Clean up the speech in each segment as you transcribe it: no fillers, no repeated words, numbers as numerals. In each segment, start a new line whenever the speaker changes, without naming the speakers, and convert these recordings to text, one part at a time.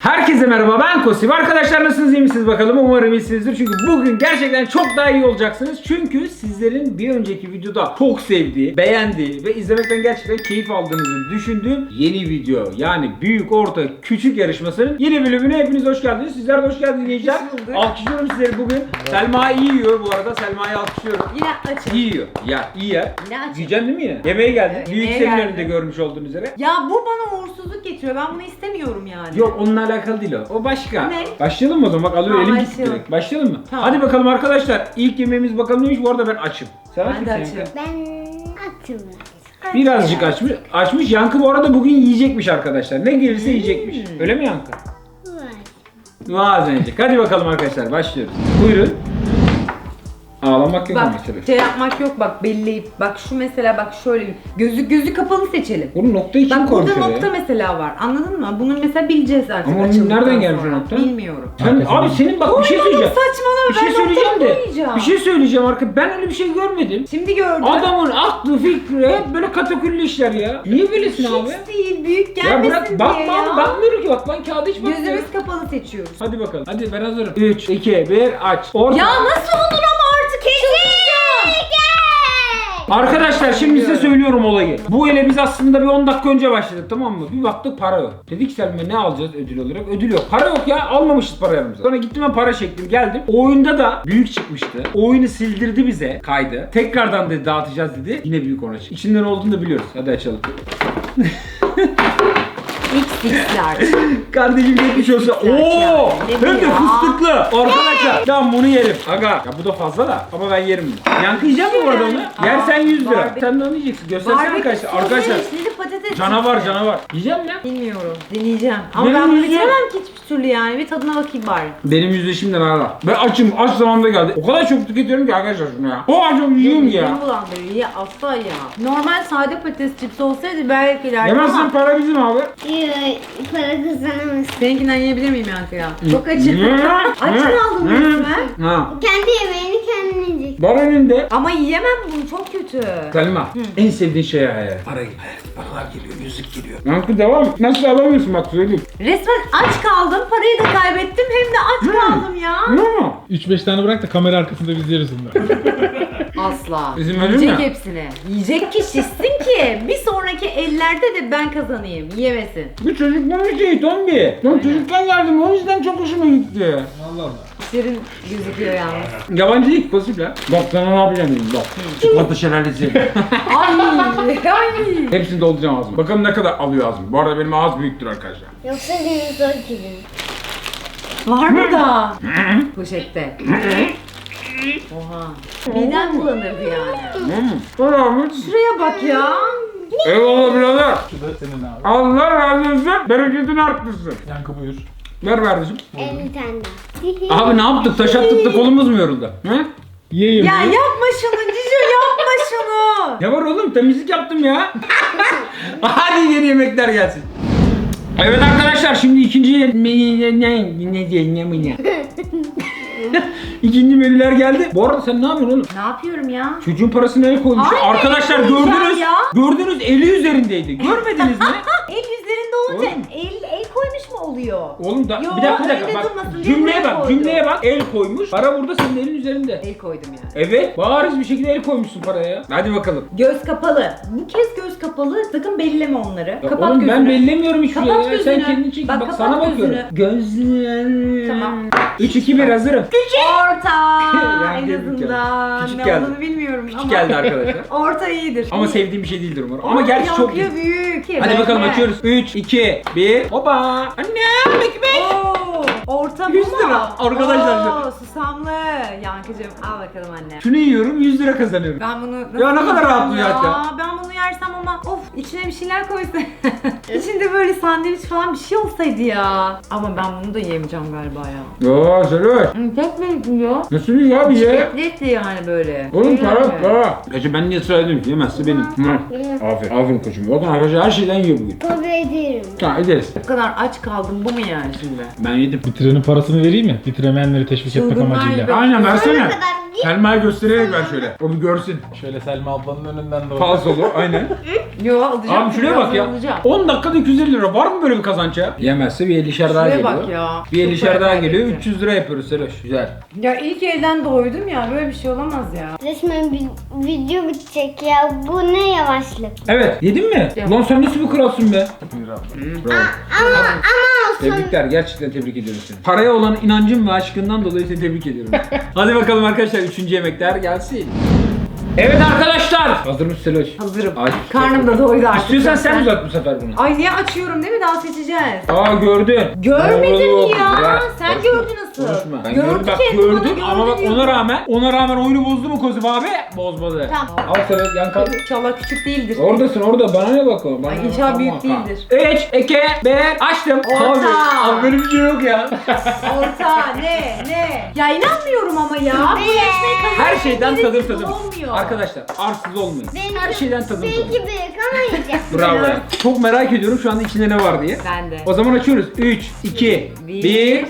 Herkese merhaba, ben Kosif. Arkadaşlar nasılsınız, iyi misiniz bakalım? Umarım iyisinizdir. Çünkü bugün gerçekten çok daha iyi olacaksınız. Çünkü sizlerin bir önceki videoda çok sevdiği, beğendiği ve izlemekten gerçekten keyif aldığınızı düşündüğüm yeni video. Yani büyük, orta, küçük yarışmasının yeni bölümüne hepiniz hoş geldiniz. Sizler de hoş geldiniz gençler. Alkışlıyorum sizleri bugün. Selma iyi yiyor bu arada. Selma'yı alkışlıyorum.
Yine açım.
İyi yiyor. Ya iyi yer.
Yine açım.
Yiyeceksin değil mi yine? Yemeğe geldin.
Evet,
Büyük
yemeğe
senin
geldim.
önünde görmüş olduğunuz üzere.
Ya bu bana uğursuzluk getiriyor. Ben bunu istemiyorum yani.
Yok onunla alakalı değil o. O başka.
Ne?
Başlayalım mı o zaman? Bak alıyor
Tamam,
elim gitti
başlayalım.
direkt. Başlayalım mı?
Tamam.
Hadi bakalım arkadaşlar. İlk yemeğimiz bakalım neymiş? Bu arada ben açım. Sen aç
Ben de
mısın Yankı?
açım.
Ben açım.
Birazcık açmış. Açmış. Yankı bu arada bugün yiyecekmiş arkadaşlar. Ne gelirse yiyecekmiş. Öyle mi Yankı? Bazen yiyecek. Hadi bakalım arkadaşlar başlıyoruz. Buyurun. Ağlamak yok ama
Bak
tabii.
şey yapmak yok bak belleyip. Bak şu mesela bak şöyle gözü kapalı seçelim.
Bunun noktayı kim
Bak
koymuş
burada
oraya?
nokta mesela var. Anladın mı? Bunu mesela bileceğiz artık.
Ama onun
açıldıktan
nereden gelmiş o
sonra.
nokta?
Bilmiyorum.
Sen, abi senin bak bir şey söyleyeceğim.
Saçmalama
Bir şey
ben
söyleyeceğim
noktamı
de.
koyacağım.
Bir şey söyleyeceğim arka. Ben öyle bir şey görmedim.
Şimdi gördüm.
Adamın aklı fikri hep böyle kataküllü işler ya. Niye böylesin abi?
Hiç değil büyük
Ya
gelmesin
bırak
diye
bakma
ya.
bakmıyorum ki bak lan kağıda hiç bakmıyorum.
Gözümüz kapalı seçiyoruz.
Hadi bakalım. Hadi ben hazırım. 3, 2, 1 aç. Orta.
Ya nasıl olur ama artık kesin.
Arkadaşlar şimdi size söylüyorum olayı. Bu ele biz aslında bir 10 dakika önce başladık tamam mı? Bir baktık para yok. Dedik Selma ne alacağız ödül olarak? Ödül yok. Para yok ya almamışız para yanımıza. Sonra gittim ben para çektim geldim. O oyunda da büyük çıkmıştı. O oyunu sildirdi bize kaydı. Tekrardan dedi dağıtacağız dedi. Yine büyük ona çıktı. İçinden olduğunu da biliyoruz. Hadi açalım.
XX'ler.
Kardeşim geçmiş olsun.
Ne
Oo!
bu
Hem de
ya?
fıstıklı. Arkadaşlar ben bunu yerim. Aga ya bu da fazla da ama ben yerim bunu. Yankı yiyecek mi bu arada onu?
Aa,
Yersen 100 lira.
barbekü-
Sen de onu yiyeceksin. Göstersene arkadaşlar. Arkadaşlar
Şimdi patates
canavar
çıktı.
canavar. Yiyecek mi?
Bilmiyorum. Deneyeceğim. Ama
Benim
ben bunu
yiyeceğim.
bitiremem ki hiçbir türlü yani. Bir tadına bakayım bari.
Benim yüzleşimden hala. Ben açım. Aç zamanında geldi. O kadar çok tüketiyorum ki arkadaşlar şunu ya. O acım yiyorum ya.
Midemi bulandırıyor. Ya asla ya. Normal sade patates cipsi olsaydı belki ileride
Yemezsen
ama
para bizim abi.
Para kazanamazsın.
seninkinden yiyebilir miyim Yankı ya? Çok açım. Aç mı aldın resmen?
Ha.
Kendi yemeğini kendin yiyecek.
Var önünde.
Ama yiyemem bunu çok kötü.
Selma, en sevdiğin şey hayal. Parayı. Paralar geliyor, yüzük geliyor. Yankı devam et. Nasıl alamıyorsun bak söyleyeyim.
Resmen aç kaldım. Parayı da kaybettim. Hem de aç kaldım ya.
Ne mu?
3-5 tane bırak da kamera arkasında biz yeriz bunları.
Asla.
İzin verir
Yiyecek
mi?
hepsini. Yiyecek ki şişsin ki bir sonraki ellerde de ben kazanayım. Yiyemesin.
Bu çocukluğun şeyi Tombi. Ben çocukken geldim o yüzden çok hoşuma gitti.
Allah Allah.
Serin gözüküyor yalnız.
Yabancı değil pasif ya. Bak sana ne yapacağım dedim bak. Çikolata şelalesi.
Ay.
Hepsini dolduracağım ağzıma. Bakalım ne kadar alıyor ağzım. Bu arada benim ağız büyüktür arkadaşlar.
Yoksa dinozor gibi.
Var mı da? Poşette. Oha. Midem bulanırdı yani.
Selamın.
Şuraya bak ya.
Eyvallah birader.
Bu da senin abi.
Allah razı olsun. Bereketini arttırsın.
Yankı buyur.
Ver kardeşim.
50 tane daha.
Abi ne yaptık? Taş attık da kolumuz mu yoruldu? He?
Yiyeyim.
Ya yapma şunu Cico yapma şunu.
Ne var oğlum? Temizlik yaptım ya. Hadi yeni yemekler gelsin. Evet arkadaşlar şimdi ikinci İkinci menüler geldi. Bu arada sen ne yapıyorsun oğlum?
Ne yapıyorum ya?
Çocuğun parasını el koymuş.
Hayır,
Arkadaşlar
el koyacağım
gördünüz.
ya.
Gördünüz eli üzerindeydi. Görmediniz mi?
El üzerinde olunca
Oğlum.
el koymuş mu oluyor?
Oğlum da
Yo,
bir dakika
öyle
bak.
durmasın diye
Cümleye
buraya
bak.
koydum.
Cümleye bak. El koymuş. Para burada senin elin üzerinde.
El koydum yani.
Evet. Bariz bir şekilde el koymuşsun paraya ya. Hadi bakalım.
Göz kapalı. Bu kez göz kapalı. Sakın belleme onları.
Ya
Kapat
oğlum
gözünü.
ben bellemiyorum hiçbir
Kapat
şey ya. Sen
gözünü.
kendin çek.
Bak,
Bak,
kapat
sana bakıyorum. Gözler.
Tamam.
3 2 1 hazırım.
Orta.
Yani
En
büyük
azından.
Küçük
Ne
geldi.
olduğunu bilmiyorum
Küçük
ama.
geldi arkadaşlar.
Orta iyidir.
Ama
İyi.
sevdiğim bir şey değildir umarım. Ama gerçi çok iyi.
Yankıya büyük.
Hadi bakalım
Bekle.
açıyoruz. 3 2 1. Hoppa. Annem ekmek.
Oo, orta bu
100
mu?
lira. Arkadaşlar şu-
Oo, susamlı. Yankıcığım al bakalım anne.
Şunu yiyorum 100 lira kazanıyorum.
Ben bunu nasıl
Ya ne kadar
yiyeceğim
rahat bu ya.
Ben bunu yersem ama of içine bir şeyler koysa. İçinde böyle sandviç falan bir şey olsaydı ya. Ama ben bunu da yiyemeyeceğim galiba ya.
Ya söyle.
Tek mi yiyor?
Nasıl yiyor abi ya?
Etli yani böyle.
Oğlum
Öyle
para
mi?
para. Gerçi ben niye ısrar ediyorum ki yemezse benim. Hı. Aferin. Aferin koçum. Bakın arkadaşlar her şeyden yiyor bugün.
Kabul ederim.
Ha ederiz.
Bu kadar aç kaldım bu mu yani şimdi?
Ben yedim.
Bitirenin parasını vereyim mi? Bitiremeyenleri teşvik etmek
Çılgınlar
amacıyla.
gibi.
Aynen versene.
kadar
Selma'ya göstererek ver şöyle. O bir görsün.
Şöyle Selma ablanın önünden doğru.
Falsolu aynen.
Yo alacağım.
Abi şuraya bak ya.
Alacağım.
10 dakikada 250 lira. Var mı böyle bir kazanç ya? Yemezse bir 50'şer daha
Şuraya
geliyor.
bak ya.
Bir
Çok
50'şer
para
daha geliyor.
kaybetti.
300 lira yapıyoruz Seloş. Güzel.
Ya ilk elden doydum ya. Böyle bir şey olamaz ya.
Resmen bir video bitecek ya. Bu ne yavaşlık.
Evet. Yedin mi?
Yok.
Ulan sen nasıl bir kralsın be?
Buyur abi.
Bravo.
Ama olsun.
Tebrikler. Gerçekten tebrik ediyorum seni. Paraya olan inancın ve aşkından dolayı seni tebrik ediyorum. Hadi bakalım arkadaşlar 3. yemekler gelsin. Evet arkadaşlar. Hazır mısın Seloş?
Hazırım.
Ay.
Karnım da doydu artık.
İstiyorsan sen
zaten.
uzat bu sefer bunu.
Ay niye açıyorum değil mi? Daha seçeceğiz.
Aa gördün.
Görmedin
Doğru.
ya.
Bırak.
Sen
Konuşma.
gördün nasıl?
Konuşma. Ben
Gördü
gördüm. Bak
kendi bana,
gördüm ama bak
gördü
ona rağmen oyunu bozdu mu Kozum abi? Bozmadı.
Tamam.
Al Seloş yan kal.
İnşallah küçük değildir.
Oradasın orada bana ne bakıyor? Bana
Ay, inşallah büyük değildir.
3, 2, 1 açtım.
Orta.
Abi böyle bir şey yok ya.
Orta ne? Ya inanmıyorum ama ya. Bu resmen
Her şeyden tadım
tadım.
tadım.
Olmuyor.
Arkadaşlar arsız olmayın. Her şeyden tadım tadım.
Belki büyük ama yiyeceğim.
Bravo ya. Çok merak ediyorum şu anda içinde ne var diye.
Ben de.
O zaman açıyoruz. 3, 2, 1.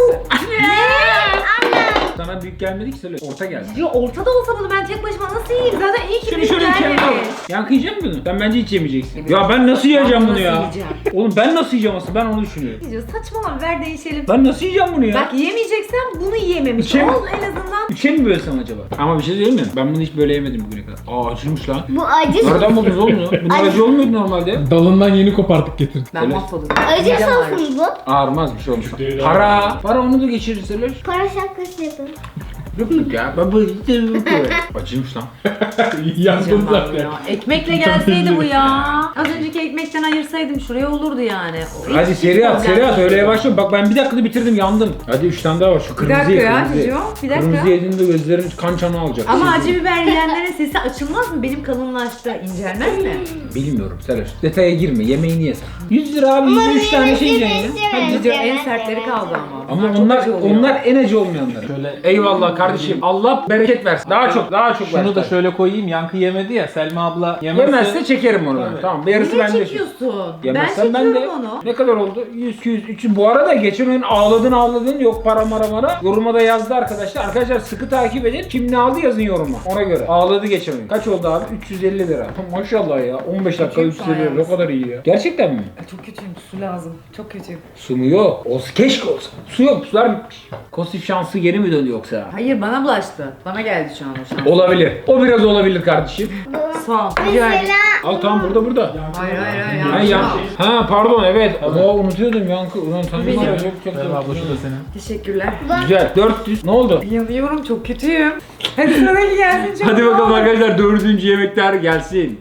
Sana büyük gelmedi ki söyle. Orta geldi.
Ya ortada olsa bunu ben tek başıma nasıl yiyeyim? Zaten iyi ki
Şimdi
büyük
şöyle bir şey
gelmedi.
yapalım. Yankı yiyecek misin bunu? Sen bence hiç yemeyeceksin. Ya ben nasıl yiyeceğim
Ben
bunu
nasıl
ya?
yiyeceğim?
Oğlum ben nasıl yiyeceğim aslında ben onu düşünüyorum.
Diyeceğiz, saçmalama ver değişelim.
Ben nasıl yiyeceğim bunu ya?
Bak yiyemeyeceksen bunu yiyememiş
İçem-
ol en azından.
Üçe mi bölsem acaba? Ama bir şey söyleyeyim mi? Ben bunu hiç böyle yemedim bugüne kadar. Aa acıymış lan.
Bu acı
Nereden buldunuz oğlum bunu? Bunlar acı olmuyordu normalde.
Dalından yeni kopartık getirdik.
Ben
Öyle.
mahvolurum.
Acı
Midem ağrır.
sos mu bu?
Ağırmaz bir şey olmuş.
Değil
Para onu da geçirirseler.
Para şapkası yapın.
Yok ya. Ben bu acıymış lan.
Yandım
Canım
zaten.
ya. Ekmekle gelseydi bu ya. Az önceki ekmekten ayırsaydım şuraya olurdu yani. O
Hadi
hiç
seri at
problem
seri at
değil.
öyle yavaşla. Bak ben bir dakikada bitirdim yandım. Hadi 3 tane daha var şu
Bir
kırmızı
dakika
ye,
ya
kırmızı ye.
Cicio. Bir dakika.
Kırmızı yediğinde gözlerin kan çanı alacak.
Ama
Şey
acı biber yiyenlerin sesi açılmaz mı? Benim kalınlaştı. İncelmez mi?
bilmiyorum Selaş. Detaya girme. Yemeğini ye sen. 100 lira abi 103 tane şey yiyeceksin ya.
Hadi Cicio en sertleri kaldı ama.
Ama
çok
onlar
acı oluyor.
onlar en acı olmayanları.
Şöyle-
Eyvallah kardeşim. Allah bereket versin. Daha çok
Şunu da
versin.
şöyle koyayım. Yankı yemedi ya. Selma abla yemezse.
Yemezse çekerim onu ben.
Tabii.
Tamam. Yarısı
Niye
bende.
çekiyorsun?
Yemezsen
ben
ben de.
çekiyorum onu.
Ne kadar oldu? 100, 200, 300. Bu arada geçen oyun ağladın yok para mara. Yoruma da yazdı arkadaşlar. Arkadaşlar sıkı takip edin. Kim ne aldı yazın yoruma. Ona göre. Ağladı geçen oyun. Kaç oldu abi? 350 lira. Maşallah ya. 15 dakika
Kötüyüm
350 lira.
şu
Ne
an
kadar iyi ya. Gerçekten mi?
Çok kötüyüm. Su lazım. Çok kötüyüm.
Su mu yok? Keşke olsa. Su yok. Sular bitmiş. Kosif şansı geri mi döndü yoksa?
Hayır bana bulaştı. Bana geldi şu an o şans.
Olabilir. O biraz olabilir kardeşim.
Sağ ol. Rica ederim.
Mesela
Al tamam burada.
Hayır.
Ha, ha pardon evet. Ama unutuyordum yankı. Ulan tanıdım
Benim.
ya. Çok
Selma abla şu da senin.
Teşekkürler.
Güzel. 400. Ne oldu?
Yanıyorum çok kötüyüm. Hadi sıradaki gelsin çok.
Hadi bakalım arkadaşlar 4. yemekler gelsin.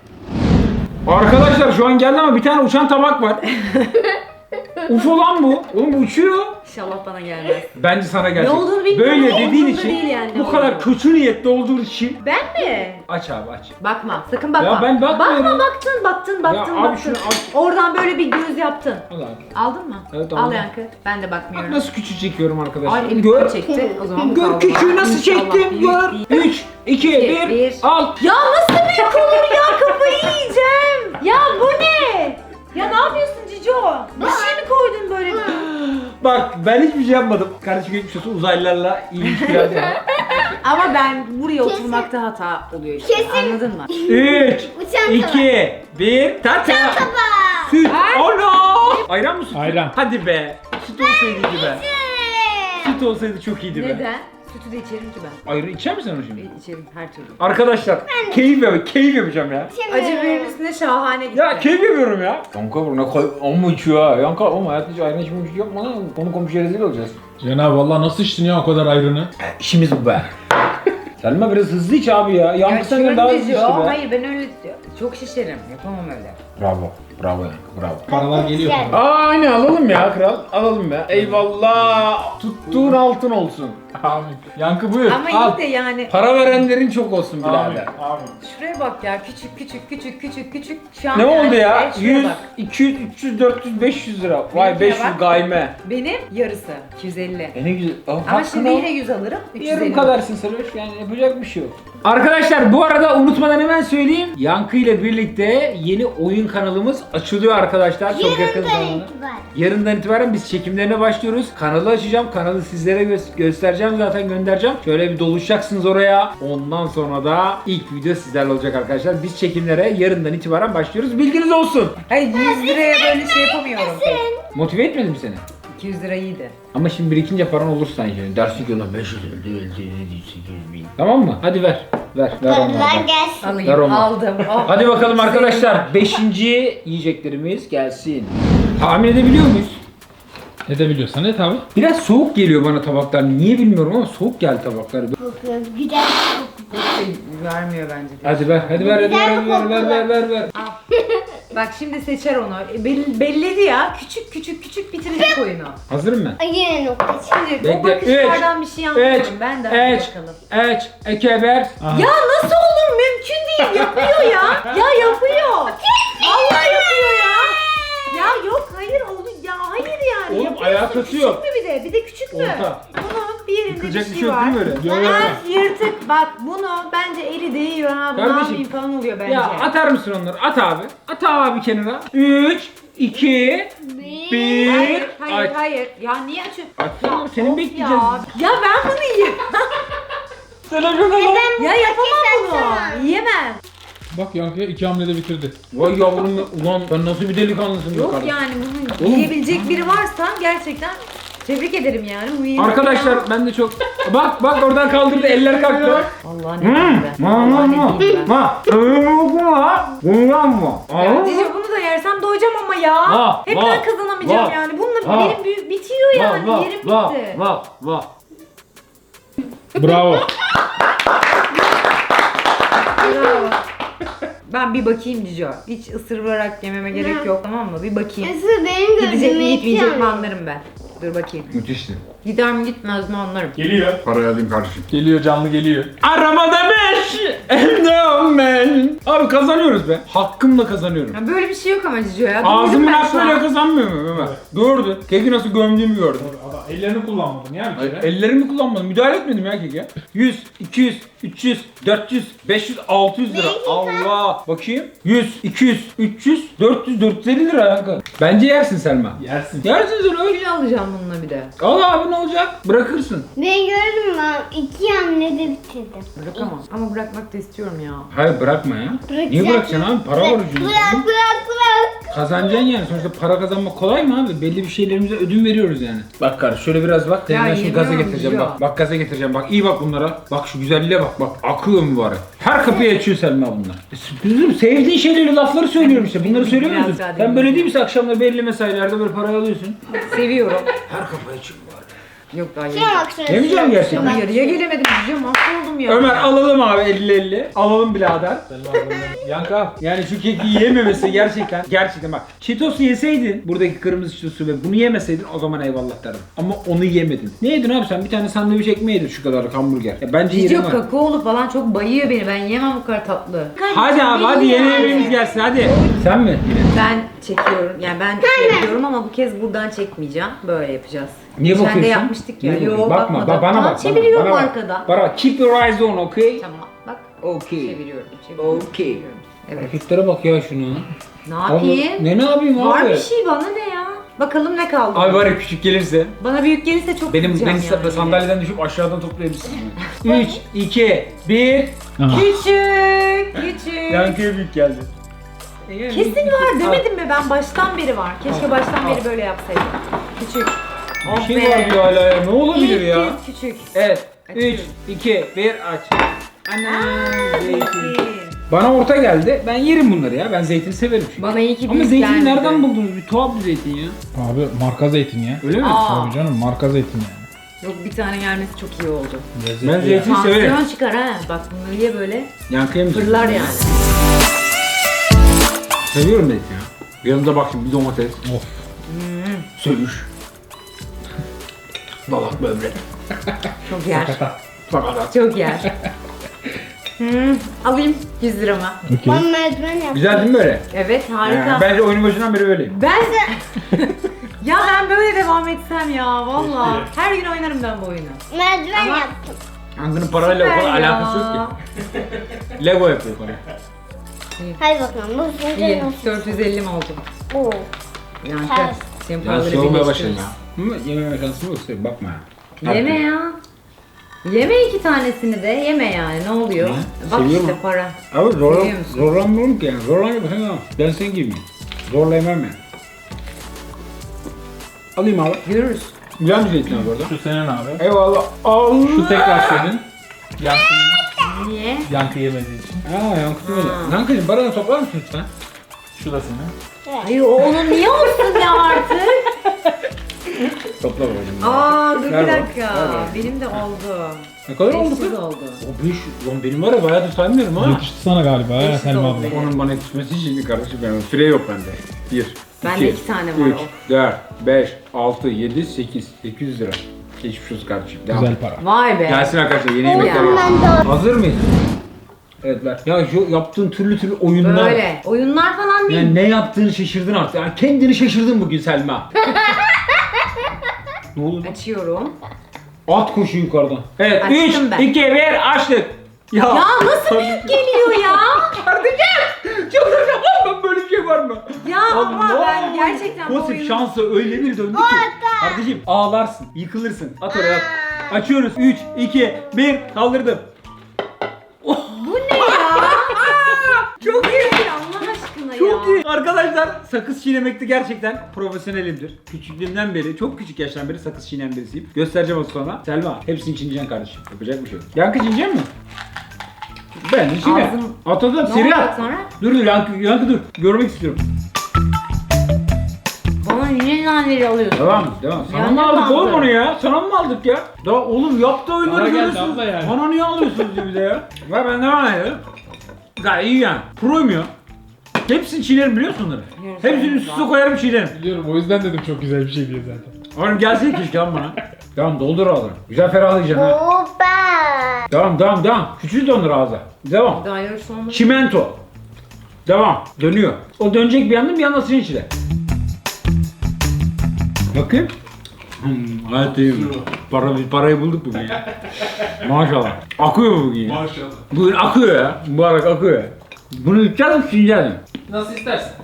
Arkadaşlar şu an geldi ama bir tane uçan tabak var. UFO lan bu. Oğlum bu uçuyor.
İnşallah bana gelmez.
Bence sana gelecek.
Ne olduğunu bilmiyorum.
Böyle
Ne
dediğin
olduğunu
için
değil yani, ne
bu kadar
olduğunu.
kötü niyetli olduğun için
Ben mi?
aç abi aç.
Bakma. Sakın bakma.
Ya ben bakmıyorum.
Bakma baktın.
Ya abi şunu al.
Oradan böyle bir göz yaptın.
Al abi.
Aldın mı?
Evet,
Al
aldım.
Yankı. Ben de
Bak
bakmıyorum.
nasıl küçük çekiyorum arkadaşlar.
Ay elim
Gör.
çekti. O zaman bu
Gör
kaldı.
küçüğü nasıl
İnşallah
çektim
büyük
gör.
değil.
3, 2, 1
bir.
al.
Ya nasıl büyük olur ya? Kafayı yiyeceğim. Ya bu ne? Ya ne yapıyorsun Cico? Bir şey mi koydun böyle?
Bak ben hiçbir şey yapmadım. Kardeşim geçmiş olsun uzaylılarla iyi ilişkiler var.
Ama ben buraya oturmakta hata oluyor işte.
Kesin.
Anladın mı?
3,
Uçan
2, 1 tata. Süt.
Ay.
Ana. Ayran mı süt?
Ayran.
Hadi be. Süt olsaydı iyiydi be. Süt olsaydı çok iyiydi be.
Neden? Sütü de içerim ki ben.
Ayran içer misin onu şimdi?
İçerim her türlü.
Arkadaşlar keyif yapacağım ya.
Acı biberin üstüne şahane gitti.
Ya keyif yapıyorum ya. Kanka bu ne koy, amma içiyor ha. Yanka ama hayatta hiç ayran içmemiş yapma lan. Konu komşuya rezil olacağız.
Cenab-ı Allah nasıl içtin ya o kadar ayrını?
İşimiz bu be. Selma biraz hızlı iç abi ya. Yankı senden daha hızlı içti
diyor.
be.
Hayır ben öyle çok şişerim. Yapamam öyle.
Bravo. Bravo Yankı bravo.
Paralar geliyor.
Güzel.
Aynen alalım ya kral. Alalım be. Eyvallah. Tuttuğun altın olsun.
Amin. Yankı buyur.
Ama
al.
iyi de yani.
Para verenlerin çok olsun
Amin.
birader.
Amin.
Şuraya bak ya küçük. Şu an
Ne
yani,
oldu ya?
evet, şuraya
100,
bak.
200, 300, 400, 500 lira. Vay
Benimkine
500
bak.
gayme.
Benim yarısı 250.
E ne güzel. Oh,
Ama şimdi yine 100 alırım. 350.
yarım kadarsın Seloş yani yapacak bir şey yok. Arkadaşlar bu arada unutmadan hemen söyleyeyim. Yankı ile birlikte yeni oyun kanalımız açılıyor arkadaşlar. Çok yakın zamanda.
itibaren.
Yarından itibaren biz çekimlerine başlıyoruz. Kanalı açacağım. Kanalı sizlere göstereceğim, zaten göndereceğim. Şöyle bir doluşacaksınız oraya. Ondan sonra da ilk video sizlerle olacak arkadaşlar. Biz çekimlere yarından itibaren başlıyoruz. Bilginiz olsun.
Hayır 100 liraya böyle şey yapamıyorum pek.
Motive etmedim seni.
200 lira iyiydi.
Ama şimdi birikince paran olur sanki. Dersin ki lan 500 öldü. Tamam mı? Hadi ver. Ver
Paralar
onlardan.
gelsin.
Ver
Alayım,
onu.
aldım. Oh.
Hadi bakalım arkadaşlar. 5. yiyeceklerimiz gelsin. Tahmin edebiliyor muyuz?
Edebiliyorsan et abi.
Biraz soğuk geliyor bana tabaklar. Niye bilmiyorum ama soğuk geldi tabaklar.
Kokuyor. Güzel kokuyor.
Vermiyor bence.
Hadi ver, hadi ver, hadi ver.
Bak şimdi seçer onu. Belledi ya. Küçük bitirecek oyunu.
Hazırım ben.
Ay, yine nokta.
Şimdi
Bekle.
o bakışlardan bir şey anlıyorum. Ben de hadi bakalım.
Ekeber.
Ya nasıl olur? Mümkün değil. Yapıyor ya. Ya yapıyor. Allah yapıyor ya. Ya yok hayır oldu. Ya hayır yani.
Oğlum,
Yapıyorsun.
alakası yok.
Küçük mü bir de? Bir de küçük mü?
Orta.
Bunun bir yerinde
Yıkılacak
bir şey var.
yok değil mi öyle?
Yok.
Ha, yırtık. Bak bunu bence eli değiyor ha. Bu ne
Kardeşim,
yapayım falan oluyor bence.
Ya atar mısın onları? At abi. At abi kenara. 3, 2, 1.
Hayır. Ya niye açıyorsun?
Açsana, seni
of
bekleyeceğiz.
Ya ben bunu yiyeyim.
Sana şuna bak.
Ya yapamam bunu. Yiyemem.
Bak Yankı'ya 2 hamlede bitirdi.
Vay yavrum ya. Ulan ben nasıl bir delikanlısın be
Yok
kardeşim.
yani bunu
Oğlum.
yiyebilecek biri varsa gerçekten tebrik ederim yani. Bu yiyecek
Arkadaşlar
ya.
ben de çok... Bak oradan kaldırdı, eller kalktı.
Allah ne diyeyim ben. Allah ne diyeyim ben.
Bundan mı?
Ya Cici bunu da yersem doyacağım ama ya.
Va,
Hep
va,
ben kazanamayacağım
va,
yani. Bununla
va,
benim bitiyor yani. Yerim bitti.
Va.
Bravo.
Bravo. Ben bir bakayım Cici. Hiç ısırarak yememe gerek yok, tamam mı? Bir bakayım.
Nasıl benim
Gidecek mi
gözüme
gitmeyecek mi
yetiyor.
anlarım ben. Dur bakayım.
Müthişti.
Gider mi gitmez mi anlarım.
Geliyor.
Parayı alayım kardeşim.
Geliyor, canlı geliyor.
Arabada 5. Hem ben. Abi kazanıyoruz be. Hakkımla kazanıyorum.
Ya böyle bir şey yok ama Cici ya.
Ağzımın
Duydum ben şu
hakkıyla
an.
kazanmıyor mu Ömer? Gördü. Keki nasıl gömdüğümü gördü.
Adam ellerini kullanmadın ya bir kere.
Ellerimi kullanmadım. Müdahale etmedim ya keke. 100, 200, 300, 400, 500, 600 lira. Allah. Bakayım. 100, 200, 300, 400, 450 lira Yankı. Bence yersin Selma.
Yersin.
Yersin sen öyle.
Kilo alacağım bununla bir de.
Al abi ne olacak? Bırakırsın.
Ben gördüm ben 2 hamlede bitirdim.
Bırakamam. Ama bırakmak da istiyorum ya.
Hayır bırakma ya. Niye bırakacaksın abi? Para var ucunda.
Bırak.
Kazanacaksın yani. Sonuçta para kazanmak kolay mı abi? Belli bir şeylerimize ödün veriyoruz yani. Bak kardeş şöyle biraz bak.
Ya
Seni şimdi gaza
yemiyorum
getireceğim
ya.
bak. Bak gaza getireceğim bak. İyi bak bunlara. Bak şu güzelliğe bak. Bak akıyor mübarek. Her kapıyı açıyor Selma bunlar. Kızım sevdiğin şeyleri lafları söylüyorum işte. Bunları söylüyor musun?
Biraz daha
Sen
değil.
böyle değil misin? Akşamları belli mesailerde böyle parayı alıyorsun.
Seviyorum.
Her kapıyı açıyor mübarek.
Yok daha
Şuna
yiyeceğim.
bak şuna.
Yemeyeceğim gerçekten.
Ama yarıya gelemedim Cici. Mahvoldum ya.
Ömer alalım abi 50-50. Alalım birader.
Yankı al.
Yani şu keki yiyememesi gerçekten bak. Cheetos'u yeseydin, buradaki kırmızı Cheetos'u ve bunu yemeseydin o zaman eyvallah derdim. Ama onu yemedin. Ne yedin abi sen? Bir tane sandviç ekmeği yedin şu kadar hamburger. Ya bence
Cici
yerim var.
kakaolu falan çok bayıyor beni. Ben yemem bu kadar tatlı.
Hadi abi hadi yeni yemeğimiz gelsin hadi. Sen mi? Yine.
Ben çekiyorum. Yani ben yapıyorum ama bu kez buradan çekmeyeceğim. Böyle yapacağız.
Niye
Geçen
bakıyorsun?
de yapmıştık ya.
Niye
Yo
bakıyorsun? Bakma
bakmadım.
bana
Tamam,
bak.
çeviriyorum
bana bak.
arkadan.
Bana bak. Keep your eyes on okay?
Tamam bak.
Okay.
Çeviriyorum.
Okay.
Evet.
Hareketlere bak ya şunu.
Ne yapayım?
Ne yapayım abi?
Var bir şey bana ne ya? Bakalım ne kaldı?
Abi var ya küçük gelirse.
Bana büyük gelirse çok
Beni
kızacağım yani.
sandalyeden düşüp aşağıdan toplayabilirsin. 3, 2, 1.
Küçük.
Yankıya büyük geldi.
Kesin var demedim mi ben? Baştan beri var. Keşke baştan beri böyle yapsaydım. Küçük.
Bir şey var diyor hala ya. Ne olabilir
İlk
ya?
kez küçük.
Evet. 3,
Açıyorum.
2, 1 aç. Anam zeytin.
Zeytin.
Bana orta geldi. Ben yerim bunları ya. Ben zeytin severim çünkü.
Bana iyi ki
Ama
büyük
zeytini
gelmedi.
nereden buldunuz? Bir tuhaf bir zeytin ya.
Abi marka zeytin ya.
Öyle mi?
Aa.
Tabii canım marka zeytin yani.
Yok bir tane gelmesi çok iyi oldu.
Lezzetli
Ben
ya.
zeytin severim.
Tansiyon çıkar ha. Bak bunları ye böyle.
Yankıya mı?
Fırlar yani.
Seviyorum zeytin ya. Yanında bak şimdi bir domates.
Of.
Sövüş. Dalak böbrek.
Çok yer.
Fakat.
Çok yer. Alayım 100 lirama.
Okey.
Ben merdiven yaptım.
Güzel değil mi böyle?
Evet harika.
Bence oyunun başından beri böyleyim.
Ben ya ben böyle devam etsem ya valla. Her gün oynarım ben bu oyunu.
Merdiven
Ama-
yaptım.
Yankı'nın parayla o
Süper
kadar
ya.
alakası yok ki. Lego yapıyor para.
Hadi bakalım. Bu
İyi,
sonucu nasıl?
450 mi oldu?
Oo.
Yankı,
Ters.
senin
Ben
paraları
soğumaya başladım
birleştiririz.
ya. Yememe şansım yok size bakma ya.
Yeme ya. Yeme 2 tanesini de yeme yani ne oluyor?
Ne?
Bak
Seviyorum
işte
ha.
para.
Abi
Seviyor musun?
zorlanmıyorum ki yani. Zorlanmıyorum ama ben senin gibiyim. Zorla yemem yani. Alayım abi.
Görürüz.
Güzel bir zeytin abi orada.
Şu senin abi.
Eyvallah. Allah.
Şu tekrar senin. Yankı'nın
Niye?
yankı yemediği için.
Aa Yankı'cım öyle. Yankı'cım paranı toplar mısın lütfen?
Şu da senin.
Hayır o onun niye olsun ya artık?
Topla babacım.
Aa dur bir
Ver bana,
dakika.
ver bana.
Benim de oldu.
Ne kadar oldu
500
kız?
oldu.
O 500. Lan benim var ya bayağıdır saymıyorum ha.
Yetişti sana galiba ya
500
Selma
oldu.
abla.
Onun bana yetişmesi için kardeşim benim. Süre yok bende. 1,
Bende 2 tane var
3,
o.
4, 5, 6, 7, 8. 800 lira. Geçmiş olsun kardeşim. Devam.
Güzel para.
Vay be.
Gelsin arkadaşlar yeni yemekler
Ya.
var.
Ben de
Hazır mıyız? Evet ver. Ya şu yaptığın türlü oyunlar.
Böyle. Oyunlar falan değil.
Yani ne yaptığını şaşırdın artık. Yani kendini şaşırdın bugün Selma. Ne oldu?
Açıyorum.
At koşu yukarıdan. Evet
Açtım
3,
ben.
2, 1 açtık. Ya
Nasıl büyük geliyor ya?
kardeşim! Çıldıracağım lan böyle bir şey var mı?
Ya ama ben gerçekten bu
Pozitif
oyunu...
şansı öyle bir döndü ki. Kardeşim ağlarsın, yıkılırsın. At oraya at. Açıyoruz. 3, 2, 1 kaldırdım.
Bu ne ya? Çok iyi Allah aşkına
Çok
ya.
iyi. Arkadaşlar sakız çiğnemekte gerçekten profesyonelimdir. Küçüklüğümden beri, çok küçük yaştan beri sakız çiğneyen birisiyim. Göstereceğim az sonra. Selma hepsini çiğneyeceksin kardeşim. Yapacak bir şey yok. Yankı çiğneyecek mi? Ben de çiğne.
Ağzım-
At at at.
Ne
Seri
olacak
at.
sonra?
Dur Yankı dur. Görmek istiyorum.
Bana yine naneleri alıyorsun.
Devam. Sana
Yani
mı aldık
ne
oğlum
aldı?
onu ya? Sana mı aldık ya? Daha oğlum yaptığı oyunları
Bana geldi
görüyorsunuz.
abla yani.
Bana niye alıyorsunuz diye bir de ya? Ver ben devam edelim. Gayet iyi yani. Pro'yum ya. Hepsini çiğnerim biliyorsun onları.
Biliyorum,
Hepsini
sen
üst üste
güzel.
koyarım çiğnerim.
Biliyorum o yüzden dedim çok güzel bir şey diye zaten.
Oğlum gelsene keşke lan bana. Tamam doldur ağzını. Güzel ferahlayacaksın ha.
Opa.
Devam. Küçült onları ağza. Devam.
Daha yarısı olmadı.
Çimento. Devam. Dönüyor. O dönecek bir yandan bir yandan senin içine. Bakayım. Gayet iyi. Parayı bulduk bugün ya. Maşallah. Akıyor bu bugün ya.
Maşallah.
Bugün akıyor ya. Mübarek akıyor ya. Bunu içeceğiz mi çiğneyeceğiz mi?
Nasıl istersen.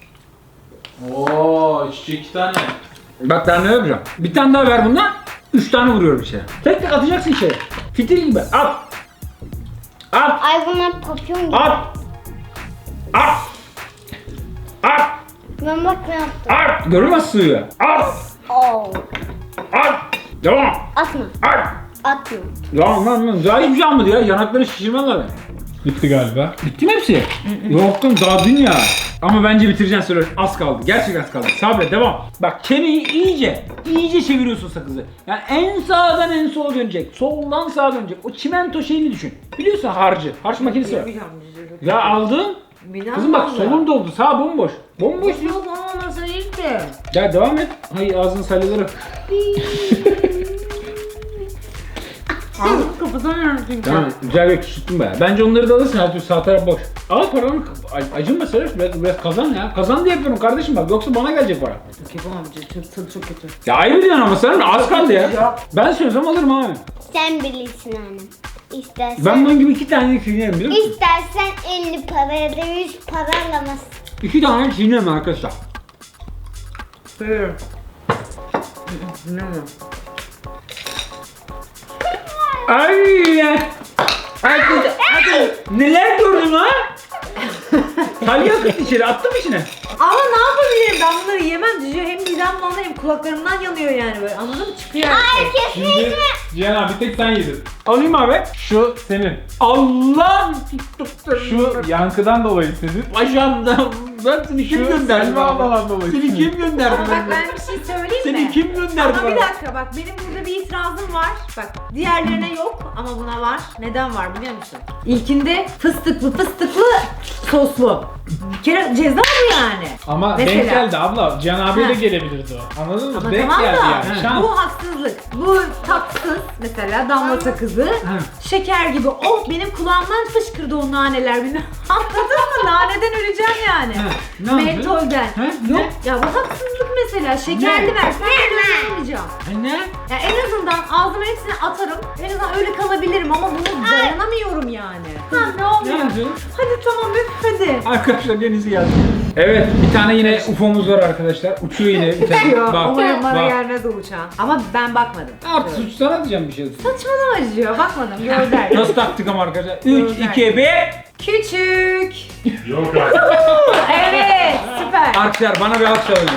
Oo çiçek 2 tane.
Bak daha ne yapacağım? Bir tane daha ver bundan. 3 tane vuruyorum içeri. Tek tek atacaksın içeri. Fitil gibi. At. At.
Ay bunlar papyon gibi.
At. At. At.
Ben bak ne yaptım.
At. Görmez suyu. At.
Oo.
At. Devam.
Atma.
At.
Atma.
Lan. Daha hiçbir şey almadı ya. Yanakları şişirmez abi.
Bitti galiba.
Bitti mi hepsi? Yok lan daha dün ya. Ama bence bitireceksin söyle. Az kaldı. Gerçekten az kaldı. Sabret devam. Bak çeneyi iyice çeviriyorsun sakızı. Yani en sağdan en sola dönecek. Soldan sağa dönecek. O çimento şeyini düşün. Biliyorsun harcı. Harç makinesi var. Ya aldın. Kızım bak solun doldu. Sağ bomboş. Bomboş diyor.
Yok olmaması değil de.
Ya devam et. Hayır ağzını salyaları.
Ağzım kapatamıyorum çünkü.
Tamam güzel bir küçülttüm be. Bence onları da alırsın her türlü sağ taraf boş. Al paranı acınma Serap biraz kazan ya. Kazan diye yapıyorum kardeşim bak yoksa bana gelecek para.
Yapamam çok kötü.
Ya ayıp ediyorsun ama sen az kaldı ya. Ben söylesem alırım abi.
Sen bilirsin annem. İstersen.
Ben bunun gibi 2 tane çiğnerim biliyor musun?
İstersen 50 para ya da 100 para alamazsın.
2 tane çiğnerim arkadaşlar.
Buyurun. Ne mi?
Ay kız, neler gördün ha? Salya akıttı içeri, attım içine.
Ama ne yapabilirim ben bunları yemem Cici hem midem bulanıyor hem kulaklarımdan yanıyor yani böyle anladın mı çıkıyor her şey.
Şimdi Cihan abi bir tek sen yedin.
Alayım abi.
Şu senin.
Allah!
Şu yankıdan dolayı senin.
Ajandan. Ben seni kim
Şu
gönderdi?
Selma abladan dolayı.
Seni kim gönderdi?
Ama bak ben bir şey söyleyeyim mi?
Seni kim gönderdi
Ama bir
bana?
dakika bak benim burada bir itirazım var. Bak diğerlerine yok ama buna var. Neden var biliyor musun? İlkinde fıstıklı soslu. Bir kere ceza bu yani.
Ama
Mesela.
denk geldi abla. Cihan abiye de
Ha.
gelebilirdi o. Anladın mı?
Ama
Denk
tamam
geldi
da
yani. Şans.
bu haksızlık. Bu tatsız mesela damla sakızı. Şeker gibi. Oh benim kulağımdan fışkırdı o naneler. Anladın mı? Naneden öleceğim yani.
Ne yaptın?
Mentolden.
Yok.
Ya bu haksızlık mesela. Şekerli versen ben ölmeyeceğim.
Ne?
Ya en azından Bundan ağzıma hepsini atarım. En azından öyle kalabilirim ama bunu dayanamıyorum yani. Ha ne oluyor?
Ne yapıyorsun?
Hadi tamam üf hadi.
Arkadaşlar denizi geldi. Evet bir tane yine UFO'muz var arkadaşlar. Uçuyor yine bir tane.
Diyor.
Bak,
Umarım bana
bak.
gelmez o uçağın. Ama ben bakmadım.
Artık suç sana diyeceğim bir şey.
Saçmalama diyor. Bakmadım. Gönder.
Nasıl taktık ama arkadaşlar? 3,
Gönder.
2, 1.
Küçük.
Yok artık.
Evet süper.
Arkadaşlar bana bir alkış alalım.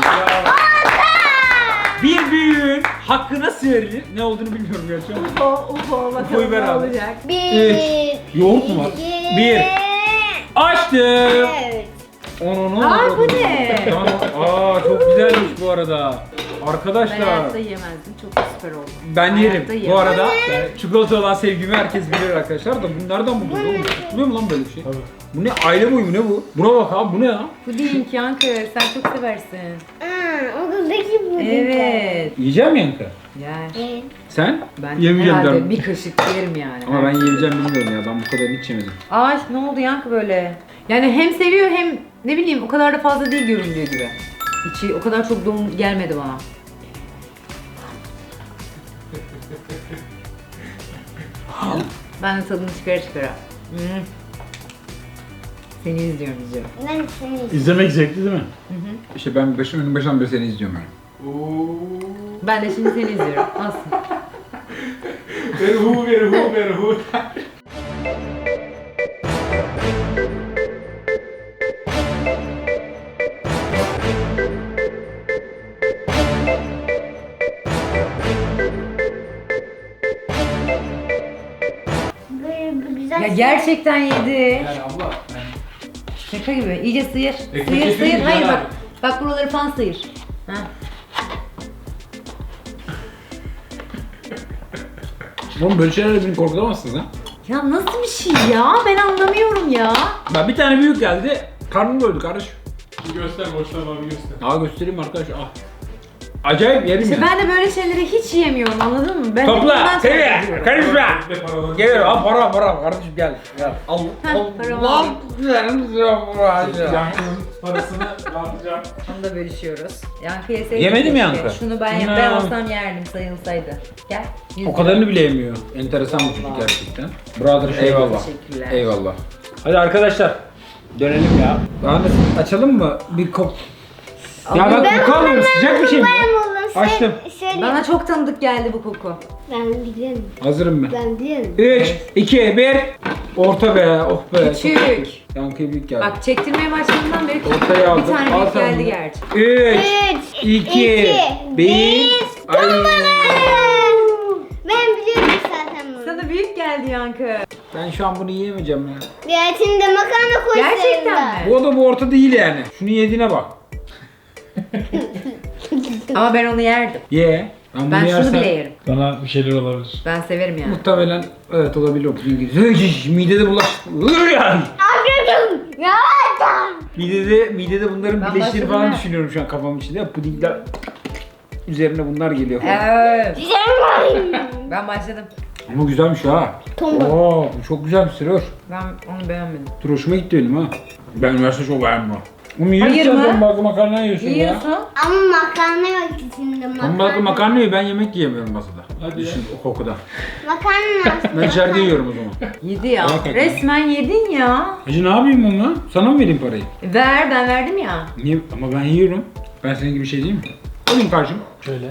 Bir büyüğün hakkı nasıl verilir? Ne olduğunu bilmiyorum gerçi ama.
Ufo
Ufo'yu
bakalım
ver
ne
abi.
olacak.
Bir.
Yoğurt mu var?
iki,
Bir. Açtım.
Evet.
Onu.
Ay, bu ne?
Tamam. Aa çok güzelmiş bu arada.
Ben
Arkadaşlar
hayatta yemezdim. Çok süper oldu.
ben yerim.
Hayatta
Bu
yemem.
arada yani çikolata olan sevgimi herkes bilir arkadaşlar da bunlardan mı buluyor oğlum? Buluyor mu lan böyle bir şey?
Tabii.
Bu ne? Aile boyu mu ne bu? Buna bak abi bu ne ya?
Puding Yankı sen çok seversin.
Okuldaki bu.
Evet.
Yiyeceğim mi Yankı?
Yer.
Sen?
Ben
Yemeyeceğim
herhalde
derim.
bir kaşık yerim yani.
Ama ben yiyeceğim bilmiyorum ya. Ben bu kadar hiç yemedim.
Ay ne oldu Yankı böyle? Yani hem seviyor hem ne bileyim o kadar da fazla değil göründüğü gibi. İçi o kadar çok dolu gelmedi bana. Ben de tadını çıkara çıkara. Hmm. Seni izliyorum.
Ben seni.
İzlemek zevkli değil mi?
İşte ben başından beri seni izliyorum yani.
Ben de şimdi seni izliyorum. Nasıl?
Ver hu.
Böyle bir güzel.
Ya gerçekten yedi.
Yani abla.
Şaka gibi. İyice sıyır.
Ekmek
Sıyır
getirin
sıyır.
mi
Hayır
Caner
bak. Bak buraları falan sıyır. Ha.
Oğlum böyle şeylerle beni korkutamazsınız ha.
Ya nasıl bir şey ya? Ben anlamıyorum ya.
Ben bir tane büyük geldi. Karnım doydu kardeş.
Bir göster boştan abi göster.
Aa göstereyim arkadaş. Ah. Acayip yerim
İşte
ya.
ben de böyle şeyleri hiç yiyemiyorum anladın mı? Ben
Topla.
bundan sonra
Seviye.
yapıyorum.
Karışma.
Bir de paraları-
Geliyorum. Al para kardeşim gel. Gel. Al.
Heh,
Al.
paramı
Lan.
alayım.
Yankı'nın parasını dağıtacağım.
Onu da bölüşüyoruz. Yankı yeseydi.
Yemedi mi
keşke.
Yankı?
Şunu ben olsam yerdim sayılsaydı. Gel.
O kadarını bile yemiyor. Enteresan bir çocuk gerçekten. Brother eyvallah.
Teşekkürler.
Eyvallah. Hadi arkadaşlar. Dönelim ya. Ahmet açalım mı? Bir kop. Ya bak bu kalmıyor. Sıcak bir şey mi? Açtım.
Şöyle.
Bana çok tanıdık geldi bu koku.
Ben biliyorum.
Hazırım ben.
Ben biliyorum.
3, 2, 1. Orta be. Oh be.
Küçük.
Çok küçük. Yankıya büyük geldi.
Bak çektirmeye başladığından beri
Ortaya aldım.
bir tane
Al
büyük
sen
geldi
bunu.
gerçi.
3, 2, 1. Ay.
Ben biliyorum zaten bunu.
Sana büyük geldi Yankı.
Ben şu an bunu yiyemeyeceğim ya.
Ya içinde makarna koysaydın.
Gerçekten mi?
Bu da bu orta değil yani. Şunu yediğine bak.
Ama ben onu yerdim.
Ye. Ben bunu
Ben
yersem
şunu bile yerim.
Bana bir şeyler olabilir.
Ben severim yani.
muhtemelen evet olabilir o puding gibi. Midede bulaş.
Anladım. Ya da.
Midede bunların
Ben
birleştiğini
başladım
falan
ha.
düşünüyorum şu an kafamın içinde. Pudingler üzerine bunlar geliyor falan.
Evet.
Güzel.
Ben başladım.
Ama güzelmiş ha.
Tombul.
Oo, bu çok güzel bir sürüyor.
Ben onu beğenmedim.
Dur hoşuma gitti benim ha. Ben üniversite çok beğendim ha. Oğlum
Hayır
yiyorsun
mı?
sen bazı makarna yiyorsun ya.
Yiyorsun.
Ama makarna yok içinde
Ben bazı makarna yiyor, ben yemek yiyemiyorum masada.
Hadi ya.
Düşün o kokuda.
Makarna.
Ben içeride yiyorum o zaman.
Yedi ya.
Hakikaten.
Resmen yedin ya.
Hacı ne yapayım onu? Sana mı vereyim parayı?
Ver ben verdim ya.
Niye? Ama ben yiyorum. Ben senin gibi şey değil mi? Alayım karşım.
Şöyle.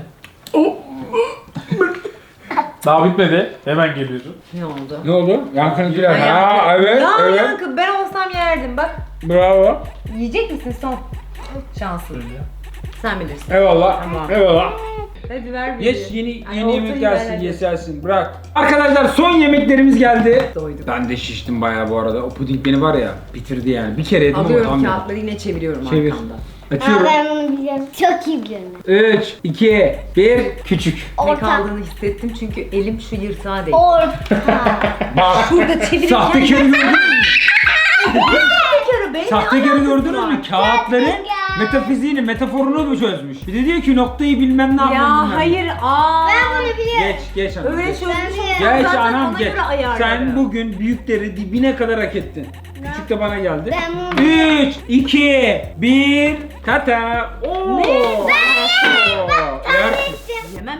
Daha bitmedi. Hemen geliyorum.
Ne oldu?
Ne oldu? Yankı'nınkiler.
Ben
Ha
yaptım.
evet,
Ya
evet.
Yankı ben olsam yerdim bak.
Bravo.
Yiyecek misin son? Şansın.
Şöyle.
Sen bilirsin.
Eyvallah.
Tamam.
Eyvallah.
Hadi ver bir.
Geç yeni
Ay,
yeni yemek
ortayı
gelsin,
ver hadi.
yesersin. Bırak. Arkadaşlar son yemeklerimiz geldi.
Doydum.
Ben de şiştim bayağı bu arada. O puding beni var ya bitirdi yani. Bir kere yedim ama
Alıyorum
tam
kağıtları yine çeviriyorum
Çevir.
arkamda.
Aa,
Açıyorum.
ben bunu biliyorum. Çok iyi biliyorum.
3, 2, 1. Küçük.
Ne
Orta.
kaldığını hissettim çünkü elim şu yırtığa değdi.
Orta.
Bak.
Şurada çevirirken...
Sahtekarı gördünüz mü?
Sahtekarı benim
Sahtekarı gördünüz mü?
alakası var?
Kağıtların
Sahtekar.
metafiziğini, metaforunu mu çözmüş? Bir de diyor ki noktayı bilmem ne yapmam
Ya
bilmem.
hayır
Ben bunu biliyorum.
Geç anam.
Öyle
geç.
çözmüş
Ben-
Geç
zaten
anam
ona
geç.
göre ayarlarım.
Sen bugün büyükleri dibine kadar hak ettin. Küçük de bana geldi.
Ben bunu-
3, 2, 1. Tata. Oo.
Ne?
Yersin.
Yemem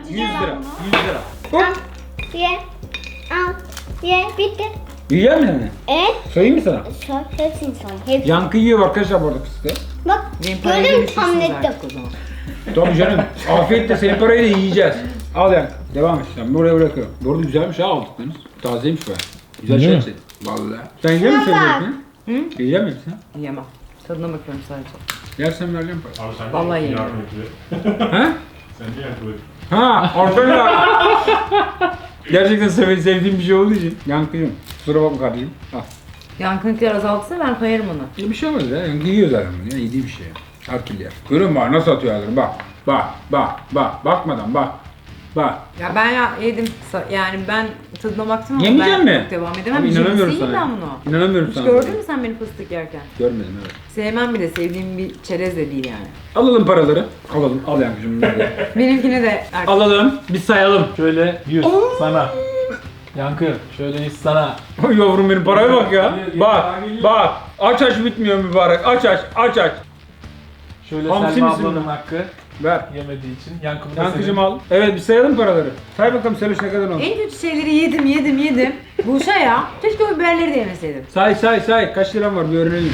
Hadi
100
gel
lira.
bunu.
100 lira. Hop.
Al. Ye. Al. Ye. Bitti.
Yiyor musun yani?
Evet.
Söyleyeyim mi sana?
Soy. Hepsini soy. Hepsini.
Yankı yiyor arkadaşlar bu arada fıstığı.
Bak.
Benim parayı
Gördün mü
verirsiniz
tahmin ettim.
artık o zaman.
Tabii canım. Afiyetle senin parayı da yiyeceğiz. Al Yankı. Devam et. Ben buraya bırakıyorum. Bu arada güzelmiş ha aldıklarınız. Tazeymiş be. Güzel
Değil
şey
mi?
senin. Vallahi. Sen yiyecek misin
Baba.
hepsini?
Hı?
Yiyecek misin?
Yiyemem. Tadına bakıyorum sadece.
Yersen vereceğim parayı.
Abi sen
Vallahi
de
yemin
yardım et.
Ha?
Sen de yardım et.
Ha, ortada. Gerçekten sevdiğim bir şey olduğu için. Yankı'cığım, kusura bakma kardeşim. Al.
Yankınlıklar azaltsa ben koyarım onu.
Bir şey olmaz ya. Yankı yiyor zaten bunu ya. Yediği bir şey ya. Her türlü yer. Görüyor musun bak nasıl atıyor ağzını? Bak. Bak. Bak. Bak. Bakmadan bak. Bak.
Ya ben yedim. Yani ben tadına baktım ama
Yemeyecek
ben
mi?
yok devam edemem.
Abi inanamıyorum
Jimsi
sana.
ben bunu.
İnanamıyorum
Hiç
sana.
gördün mü sen beni fıstık yerken?
Görmedim evet.
Sevmem bile, sevdiğim bir çerez de değil yani.
Alalım paraları. Alalım. Al Yankı'cığım bunları da.
Benimkine de
Alalım. Bir sayalım.
Şöyle 100 sana. Yankı şöyle 100 sana.
Oy yavrum benim paraya bak ya.
Geliyor,
Bak.
geliyor.
Bak. Aç aç bitmiyor mübarek. Aç aç. Aç aç.
Şöyle
Hamsi
Selma
misin
ablanın
bu?
hakkı
Ver.
yemediği için. Yankı bu da
Yankı'cığım
senin.
al. Evet bir sayalım paraları. Say bakalım Seloş ne kadar oldu?
en kötü şeyleri yedim. Buşa ya. Keşke o biberleri de yemeseydim.
Say. Kaç liram var bir öğrenelim.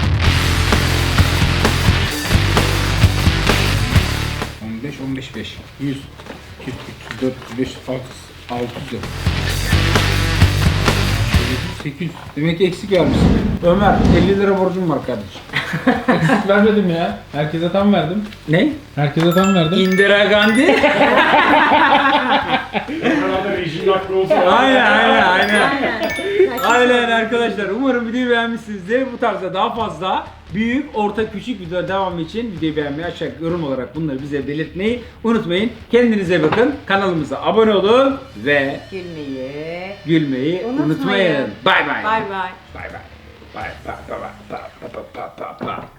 15, 5. 100, 200, 300, 400, 500, 600 lira. 800. Demek ki eksik vermişsin. Ömer 50 lira borcum var kardeşim.
Eksik vermedim ya. Herkese tam verdim.
Ne?
Herkese tam verdim.
Indira Gandhi.
Herhalde rejim hakkı olsun.
Aynen arkadaşlar. Umarım videoyu beğenmişsinizdir. Bu tarzda daha fazla büyük, orta, küçük videolar devamı için videoyu beğenmeyi, aşağı yorum olarak bunları bize belirtmeyi unutmayın. Kendinize bakın. Kanalımıza abone olun ve gülmeyi unutmayın. Bye bye.
Bye bye.
Bye bye. Bye bye. Bye bye. Bye bye. Bye bye.